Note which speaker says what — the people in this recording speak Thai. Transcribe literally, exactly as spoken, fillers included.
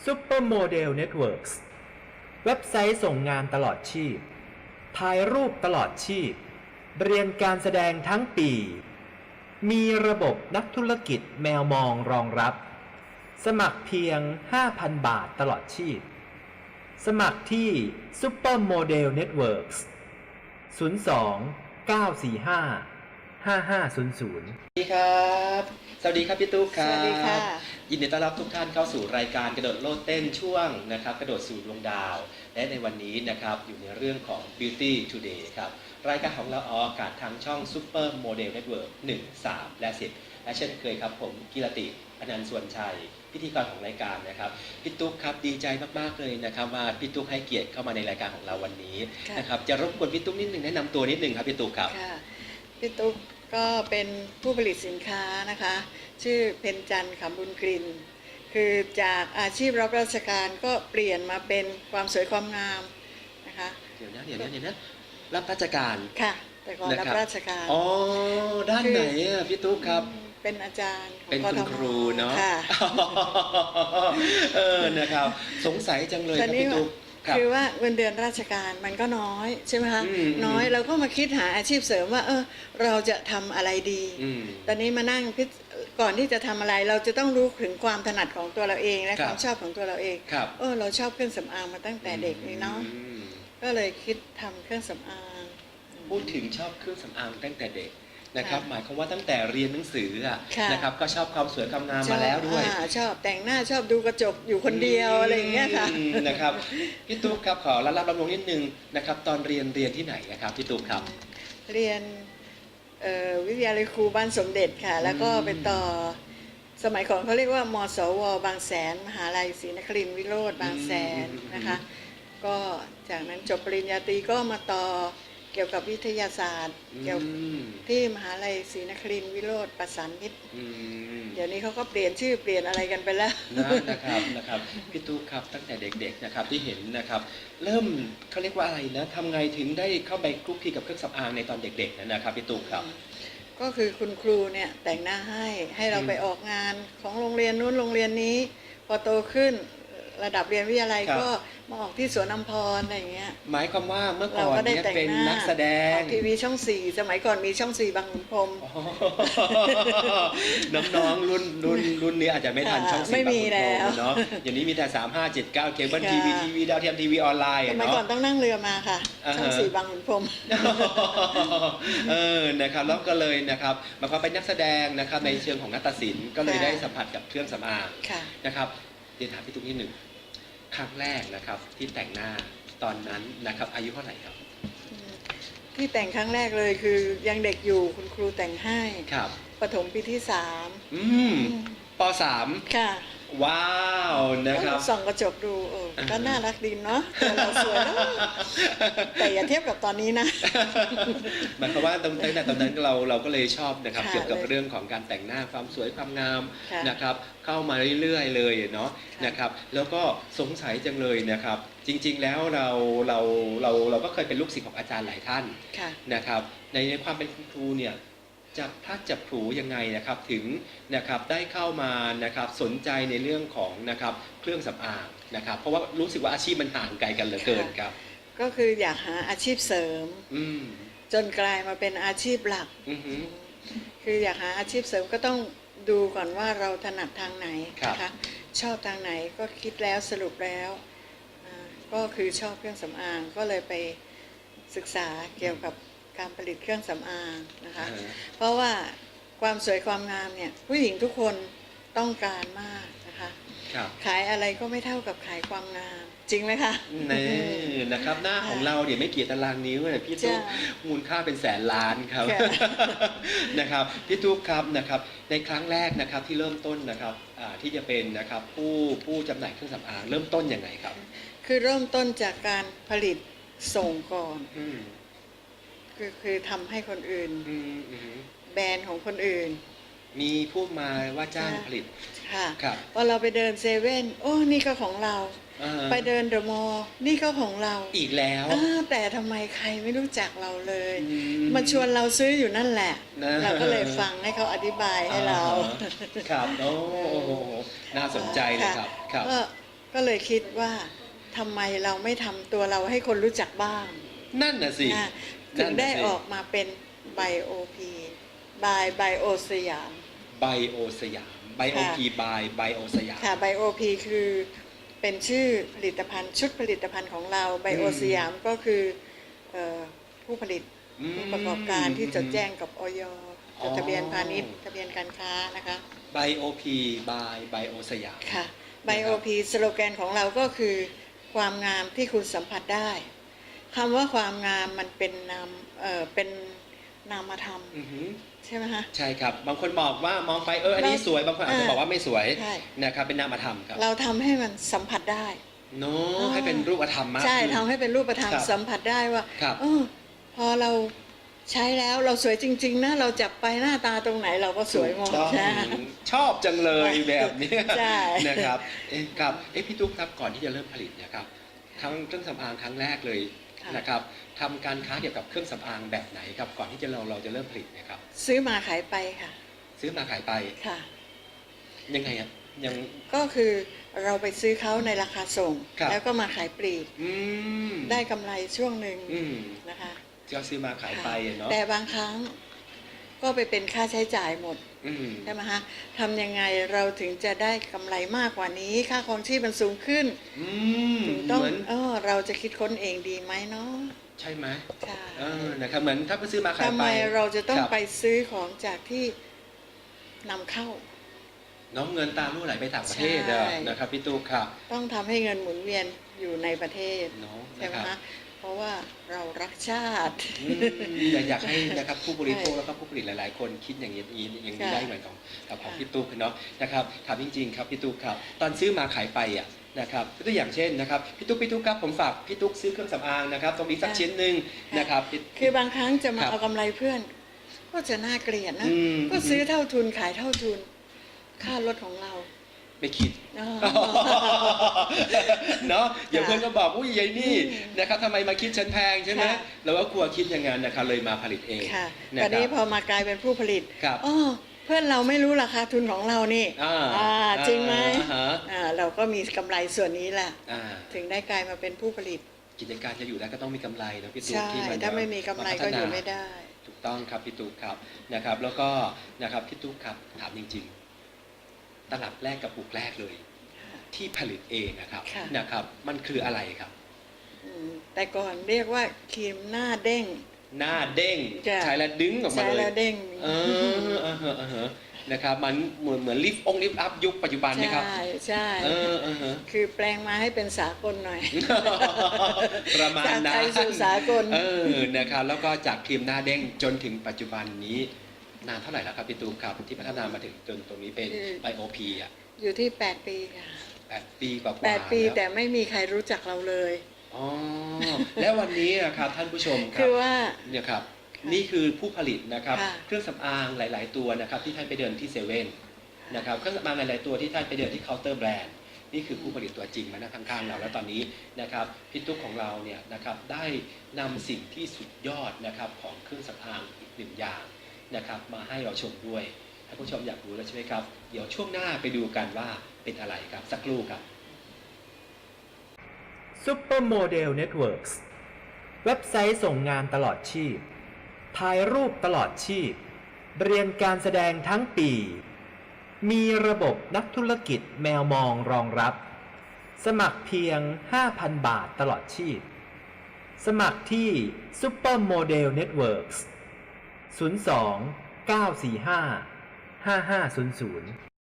Speaker 1: Supermodel Networks เว็บไซต์ส่งงานตลอดชีพถ่ายรูปตลอดชีพเรียนการแสดงทั้งปีมีระบบนักธุรกิจแมวมองรองรับสมัครเพียง ห้าพัน บาทตลอดชีพสมัครที่ Supermodel Networks ศูนย์ สอง เก้า สี่ ห้า ห้า ห้า ศูนย์ ศูนย์
Speaker 2: สวัสดีครับสวัสดีครับพี่ตุ๊กครับ
Speaker 3: สวัสดีค่ะ
Speaker 2: ยินดีต้อนรับทุกท่านเข้าสู่รายการกระโดดโลดเต้นช่วงนะครับกระโดดสู่ดวงดาวและในวันนี้นะครับอยู่ในเรื่องของ Beauty Today ครับรายการของเราออกอากาศทางช่อง Super Model Network หนึ่ง สาม และ สิบและเช่นเคยครับผมกิรติอนันต์ส่วนชัยพิธีกรของรายการนะครับพี่ตุ๊กครับดีใจมากๆเลยนะครับว่าพี่ตุ๊กให้เกียรติเข้ามาในรายการของเราวันนี้นะครับจะรบกวนพี่ตุ๊กนิดนึงแนะนำตัวนิดนึงครับพี่ตุ๊กครับ
Speaker 3: ค่ะพี่ตุ๊กก็เป็นผู้ผลิตสินค้านะคะชื่อเพ็ญจันทร์ขำบุญกลิ่นคือจากอาชีพรับราชการก็เปลี่ยนมาเป็นความสวยความงามนะคะ
Speaker 2: เดี๋ยวนะเดี๋ยวนะเดี๋ยวนะรับราชการ
Speaker 3: ค่ะแต่ก่อนรับราชการ
Speaker 2: อ๋อด้านไหนอ่ะพี่ตุ๊กครับ
Speaker 3: เป็นอาจารย์
Speaker 2: เป็นคุณครูเนาะเออนะครับสงสัยจังเลยครับพี่ตุ๊ก
Speaker 3: คือว่าเงินเดือนราชการมันก็น้อยใช่ไหมคะน้อยเราก็มาคิดหาอาชีพเสริมว่าเออเราจะทำอะไรดีตอนนี้มานั่งพิจก่อนที่จะทำอะไรเราจะต้องรู้ถึงความถนัดของตัวเราเองและความชอบของตัวเราเองเออเราชอบเครื่องสำอางมาตั้งแต่เด็กนี่เนาะก็เลยคิดทำเครื่องสำอาง
Speaker 2: พูดถึงชอบเครื่องสำอางตั้งแต่เด็กนะครับหมายความว่าตั้งแต่เรียนหนังสืออ่ะนะครับก็ชอบความสวยความงามมาแล้วด้วย
Speaker 3: ชอบแต่งหน้าชอบดูกระจกอยู่คนเดียวอะไรอย่างเงี้ยค่ะ
Speaker 2: นะครับพี่ตุ๊กครับขอรับรับรับลงนิดนึงนะครับตอนเรียนเรียนที่ไหนนะครับพี่ตุ๊กครับ
Speaker 3: เรียนวิทยาลัยครูบ้านสมเด็จค่ะแล้วก็ไปต่อสมัยก่อนเขาเรียกว่ามสวบางแสนมหาลัยศรีนครินทร์วิโรธบางแสนนะคะก็จากนั้นจบปริญญาตรีก็มาต่อเกี่ยวกับวิทยาศาสตร์เกี่ยวที่มหาลัยศรีนครินทร์วิโรธประสานมิตรเดี๋ยวนี้เขาก็เปลี่ยนชื่อเปลี่ยนอะไรกันไปแล้ว
Speaker 2: นะครับนะครับพี่ตุ๊กครับตั้งแต่เด็กๆนะครับที่เห็นนะครับเริ่มเขาเรียกว่าอะไรนะทำไงถึงได้เข้าไปคลุกคลีกับเครื่องสำอางในตอนเด็กๆนะครับพี่ตุ๊กครับ
Speaker 3: ก็คือคุณครูเนี่ยแต่งหน้าให้ให้เราไปออกงานของโรงเรียนนู้นโรงเรียนนี้พอโตขึ้นระดับเรียนวิทยาลัยก็มาออกที่สวนอัมพรอะไรอย่างเงี้ย
Speaker 2: หมายความว่าเมื่อก่อนเนี่ยเป็นนักแสดง
Speaker 3: ทีวีช่องสี่สมัยก่อนมีช่องสี่บางขุนพรหม
Speaker 2: น้องๆรุ่นรุ่นรุ่นนี้อาจจะไม่ทันช่องสี่บางขุนพรหมเนาะอย่างนี้มีแต่สามห้าเจ็ดเก้าเคเบิลทีวีทีวีดาวเทียมทีวีออนไลน์
Speaker 3: สมัยก่อนต้องนั่งเรือมาค่ะช่องสี่บางขุนพรหม
Speaker 2: เออนะครับแล้วก็เลยนะครับมาพอเป็นนักแสดงนะครับในเชิงของนาฏศิลป์ก็เลยได้สัมผัสกับเครื่องสำอางนะครับเดี๋ยวถามพี่ตุ๊กนิดหนึ่งครั้งแรกนะครับที่แต่งหน้าตอนนั้นนะครับอายุเท่าไหร่ครับ
Speaker 3: ที่แต่งครั้งแรกเลยคือยังเด็กอยู่คุณครูแต่งให้
Speaker 2: ครับ
Speaker 3: ประถมปีที่สาม
Speaker 2: อืมปสาม
Speaker 3: ค่ะ
Speaker 2: ว้าวนะครับ
Speaker 3: ส่องกระจกดูเออก็น่ารักดีเนาะเราสวยนะแต่อย่าเทียบกับตอนนี้นะ
Speaker 2: หมายความว่าตั้งแต่ตอนนั้นเราเราก็เลยชอบนะครับเกี่ยวกับเรื่องของการแต่งหน้าความสวยความงามนะครับเข้ามาเรื่อยๆเลยเนาะนะครับแล้วก็สงสัยจังเลยนะครับจริงๆแล้วเราเราเราเราก็เคยเป็นลูกศิษย์ของอาจารย์หลายท่านนะครับในความเป็นคุณครูเนี่ยจับพัดจับผูยังไงนะครับถึงนะครับได้เข้ามานะครับสนใจในเรื่องของนะครับเครื่องสำอางนะครับเพราะว่ารู้สึกว่าอาชีพมันห่างไกลกันเหลือเกินครับ
Speaker 3: ก็คืออยากหาอาชีพเสริมจนกลายมาเป็นอาชีพหลักคืออยากหาอาชีพเสริมก็ต้องดูก่อนว่าเราถนัดทางไหนนะคะชอบทางไหนก็คิดแล้วสรุปแล้วก็คือชอบเครื่องสำอางก็เลยไปศึกษาเกี่ยวกับการผลิตเครื่องสำอางนะคะเพราะว่าความสวยความงามเนี่ยผู้หญิงทุกคนต้องการมากนะคะขายอะไรก็ไม่เท่ากับขายความงามจริงไหมคะ
Speaker 2: นี่นะครับหน้าของเราเนี่ยไม่กี่ตารางนิ้วเลยพี่ตุ๊กมูลค่าเป็นแสนล้านครับนะครับพี่ตุ๊กครับนะครับในครั้งแรกนะครับที่เริ่มต้นนะครับที่จะเป็นนะครับผู้ผู้จำหน่ายเครื่องสำอางเริ่มต้นยังไงครับ
Speaker 3: คือเริ่มต้นจากการผลิตส่งก่อนคือคือทำให้คนอื่นแบรนด์ของคนอื่น
Speaker 2: มีผู้มาว่าจ้างผลิต
Speaker 3: ค่ะพอเราไปเดินเซเว่นโอ้นี่ก็ของเราไปเดินเดอะมอลล์นี่ก็ของเรา
Speaker 2: อีกแล้ว
Speaker 3: แต่ทำไมใครไม่รู้จักเราเลยมาชวนเราซื้ออยู่นั่นแหละเราก็เลยฟังให้เขาอธิบายให้เรา
Speaker 2: ครับโอ้น่าสนใจเลยครับ
Speaker 3: ก็ก็เลยคิดว่าทำไมเราไม่ทำตัวเราให้คนรู้จักบ้าง
Speaker 2: นั่นน่ะสิ
Speaker 3: นะถึงได้ออกมาเป็นไบโอพีบายไบโอสยาม
Speaker 2: ไบโอสยามไบโอพีบายไบโอสยาม
Speaker 3: ค่ะไบโอพีคือเป็นชื่อผลิตภัณฑ์ชุดผลิตภัณฑ์ของเราไบโอสยามก็คือเอ่อผู้ผลิต
Speaker 2: อืม
Speaker 3: ผู้ประกอบการที่จดแจ้งกับอย
Speaker 2: อ๋
Speaker 3: จ
Speaker 2: อ
Speaker 3: ดทะเบียนพาณิชย์ทะเบียนการค้านะคะ
Speaker 2: ไบโอพีบายไบโอสยาม
Speaker 3: ค่ะไบโอพีสโลแกนของเราก็คือความงามที่คุณสัมผัสได้คำว่าความงามมันเป็นนามเอ่อเป็นนามธรรม
Speaker 2: อือหือ
Speaker 3: ใช่ไหมคะ
Speaker 2: ใช่ครับ บางคนบอกว่ามองไปเอออันนี้สวยบางคนอาจจะบอกว่าไม่สวย
Speaker 3: ใช่
Speaker 2: นะครับเป็นนามธรรมครับ
Speaker 3: เราทำให้มันสัมผัสได้
Speaker 2: โน้ให้เป็นรูปธรรมมาก
Speaker 3: ใช่
Speaker 2: ขึ้น
Speaker 3: ทำให้เป็นรูปธรรม
Speaker 2: ครับ
Speaker 3: สัมผัสได้ว่า
Speaker 2: ครับ
Speaker 3: เออพอเราใช้แล้วเราสวยจริงๆนะเราจับไปหน้าตาตรงไหนเราก็สวยหมด
Speaker 2: ถูกต้อง
Speaker 3: นะ
Speaker 2: ชอบจังเลยแบบเนี้ย
Speaker 3: ใช่
Speaker 2: นะครับเอ๊ะครับเอ๊ะพี่ตุ๊กครับก่อนที่จะเริ่มผลิตเนี่ยครับครั้งเครื่องสำอางครั้งแรกเลย
Speaker 3: ค่ะ
Speaker 2: นะครับทำการค้าเกี่ยวกับเครื่องสำอางแบบไหนครับก่อนที่จะเราเราจะเริ่มผลิตเนะครับ
Speaker 3: ซื้อมาขายไปค่ะ
Speaker 2: ซื้อมาขายไป
Speaker 3: ค่ะ
Speaker 2: ยังไงอ่ะยัง
Speaker 3: ก็คือเราไปซื้อเขาในราคาส่ง
Speaker 2: ครับ
Speaker 3: แล้วก็มาขายปลีก
Speaker 2: อืม
Speaker 3: ได้กำไรช่วงหนึ่ง
Speaker 2: อืม
Speaker 3: นะคะ
Speaker 2: ก็ซื้อมาขายไปอะเนาะ
Speaker 3: แต่บางครั้งก็ไปเป็นค่าใช้จ่ายหมด
Speaker 2: อืม
Speaker 3: ใช่ไหมฮะทำยังไงเราถึงจะได้กำไรมากกว่านี้ ค่าครองชีพมันสูงขึ้น
Speaker 2: อืม
Speaker 3: ถึงต้อง
Speaker 2: เหมือน
Speaker 3: เออเราจะคิดค้นเองดีไหมเนาะ
Speaker 2: ใช่ไหม
Speaker 3: ใช่
Speaker 2: เออนะครับเหมือนถ้าไปซื้อมาขาย
Speaker 3: ทำ
Speaker 2: ไป
Speaker 3: ไมเราจะต้อง
Speaker 2: ครับ
Speaker 3: ไปซื้อของจากที่นำเข้า
Speaker 2: น้องเงินตามลู่ไหลไปต่างประเทศอะ
Speaker 3: ใช่
Speaker 2: นะครับพี่ตุ๊กครับ
Speaker 3: ต้องทำให้เงินหมุนเวียนอยู่ในประเทศ
Speaker 2: เนาะ
Speaker 3: ใช่ไหม
Speaker 2: นะครับ
Speaker 3: ฮะเพราะว่าเรารักชาติ
Speaker 2: อืมอยากอยากให้นะครับผู้บริโภคแล้วก็ผู้ผลิตหลาย ๆ คนคิดอย่างนี้อย่างนี้
Speaker 3: ค่ะ
Speaker 2: ได้เหมือนของกับของ
Speaker 3: ค่ะ
Speaker 2: พี่ตุ๊กเนาะนะครับถามจริง ๆ ครับพี่ตุ๊กครับตอนซื้อมาขายไปอ่ะนะครับตัวอย่างเช่นนะครับพี่ตุ๊กพี่ตุ๊กครับผมฝากพี่ตุ๊กซื้อเครื่องสำอางนะครับตรงนี้สักชิ้นหนึ่งนะครับพี่
Speaker 3: คือบางครั้งจะมา
Speaker 2: ครับ
Speaker 3: เอากำไรเพื่อน ก็จะน่าเกลียดนะ
Speaker 2: อืม
Speaker 3: ก็ซื้อเท่าทุนขายเท่าทุน ค่ารถของเรา
Speaker 2: ไม่คิด
Speaker 3: เนาะ
Speaker 2: เนาะเดี๋ยวเพื่อนก็บอกอุ้ยยายนี่
Speaker 3: อืม
Speaker 2: นะครับทำไมมาคิดฉันแพงใช่ไหม
Speaker 3: ค่ะ
Speaker 2: เราก็กลัวคิดอย่างนั้นนะครับเลยมาผลิตเอง
Speaker 3: ค่ะ
Speaker 2: นะ
Speaker 3: ตอนนี้
Speaker 2: ครับ
Speaker 3: พอมากลายเป็นผู้ผลิต
Speaker 2: ครับ
Speaker 3: อ๋อเพื่อนเราไม่รู้ราคาทุนของเรานี่
Speaker 2: อ่า
Speaker 3: อ่าจริงไหม
Speaker 2: อ่าฮะ
Speaker 3: อ่าเราก็มีกำไรส่วนนี้แหละ
Speaker 2: อ่า
Speaker 3: ถึงได้กลายมาเป็นผู้ผลิต
Speaker 2: กิจการจะอยู่ได้ก็ต้องมีกำไรนะพี่ตุ๊ก
Speaker 3: ใช่
Speaker 2: ที่มัน
Speaker 3: ถ้าไม่มีกำไรก็อยู่ไม่ได้
Speaker 2: ถูกต้องครับพี่ตุ๊กครับนะครับ แล้วก็นะครับพี่ตุ๊กครับถามจริงๆ ตลับแรกกับปุกแรกเลย ที่ผลิตเองนะครับ
Speaker 3: ค่ะ
Speaker 2: นะครับ มันคืออะไรครับ
Speaker 3: อืมแต่ก่อนเรียกว่าครีมหน้าเด้ง
Speaker 2: หน้าเด้ง
Speaker 3: จ้ะ
Speaker 2: ใช้แล้วดึงออกมา
Speaker 3: ใช้
Speaker 2: เลย
Speaker 3: แล้วเด้ง
Speaker 2: เออเออเออเออนะครับมันเหมือนเหมือนลิฟต์องลิฟต์อัพยุคปัจจุบันนะครับ
Speaker 3: ใช่ใช่
Speaker 2: เออเออเออ
Speaker 3: คือแปลงมาให้เป็นสากลหน่อย
Speaker 2: ประมาณ
Speaker 3: จาก
Speaker 2: นั้
Speaker 3: ไท
Speaker 2: น
Speaker 3: ยสู่สากล
Speaker 2: เออนะครับแล้วก็จากครีมหน้าเด้งจนถึงปัจจุบันนี้นานเท่าไหร่แล้วครับพี่ตูมครับที่พัฒนามาถึงจนตรงนี้เป็น
Speaker 3: คือ
Speaker 2: ไบโอพีอ่ะ
Speaker 3: อยู่ที่แปดปีค่ะ
Speaker 2: แปดปีกว่าๆ
Speaker 3: แปดปี
Speaker 2: ล้ว
Speaker 3: แต่ไม่มีใครรู้จักเราเลย
Speaker 2: อ๋อแล้ววันนี้นะครับท่านผู้ชมครั
Speaker 3: คื
Speaker 2: บ
Speaker 3: อว่า
Speaker 2: เนี่ยครับ
Speaker 3: ค่ะ
Speaker 2: นี่คือผู้ผลิตนะครับ
Speaker 3: ค่ะ
Speaker 2: เครื่องสำอางหลาย ๆ ตัวนะครับที่ท่านไปเดินที่เซเว่นนะครับเครื่องสำอางหลาย ๆ ตัวที่ท่านไปเดินที่เคาน์เตอร์แบรนด์นี่คือผู้ผลิตตัวจริงมานั่งข้าง ๆ เราแล้วตอนนี้นะครับพี่ตุ๊กของเราเนี่ยนะครับได้นำสิ่งที่สุดยอดนะครับของเครื่องสำอางอีกหนึ่งอย่างนะครับมาให้เราชมด้วยท่านผู้ชมอยากรู้แล้วใช่ไหมครับเดี๋ยวช่วงหน้าไปดูกันว่าเป็นอะไรครับสักครู่ครับ
Speaker 1: Supermodel Networks เว็บไซต์ส่งงานตลอดชีพถ่ายรูปตลอดชีพ เรียนการแสดงทั้งปี มีระบบนักธุรกิจแมวมองรองรับ สมัครเพียง ห้าพัน บาทตลอดชีพ สมัครที่ Supermodel Networks ศูนย์ สอง เก้า สี่ ห้า ห้า ห้า ศูนย์ ศูนย์